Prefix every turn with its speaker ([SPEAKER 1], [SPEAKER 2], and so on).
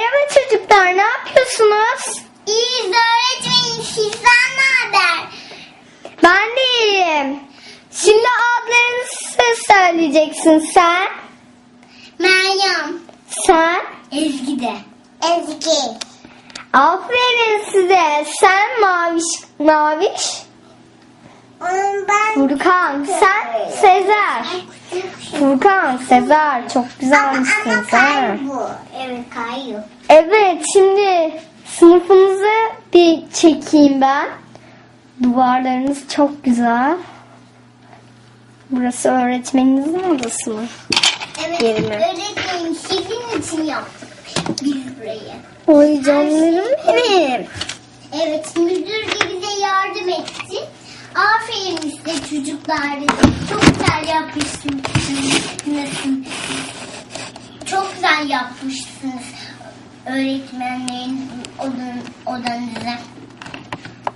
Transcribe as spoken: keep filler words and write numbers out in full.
[SPEAKER 1] Merhaba çocuklar, ne yapıyorsunuz?
[SPEAKER 2] İyiyiz öğretmenim. Sizden ne haber?
[SPEAKER 1] Ben de iyiyim. Şimdi adlarınızı söyleyeceksin sen.
[SPEAKER 2] Meryem.
[SPEAKER 1] Sen.
[SPEAKER 2] Ezgi de. Ezgi.
[SPEAKER 1] Aferin size. Sen Maviş. Maviş.
[SPEAKER 2] Ben...
[SPEAKER 1] Furkan. Sen Sezer. Furkan, Sezer. Çok güzelmişsiniz. Ha?
[SPEAKER 2] bu. Evet kayıyor.
[SPEAKER 1] Evet, şimdi sınıfınızı bir çekeyim ben. Duvarlarınız çok güzel. Burası öğretmeninizin odası mı?
[SPEAKER 2] Evet
[SPEAKER 1] Yerimi.
[SPEAKER 2] öğretmenim sizin için yaptık biz burayı.
[SPEAKER 1] Oy canlarım benim.
[SPEAKER 2] Evet müdür de bize yardım etti. Aferin size çocuklar dedi. Çok güzel yapmışsınız. Çok güzel yapmışsınız öğretmenlerin odan, odanızı.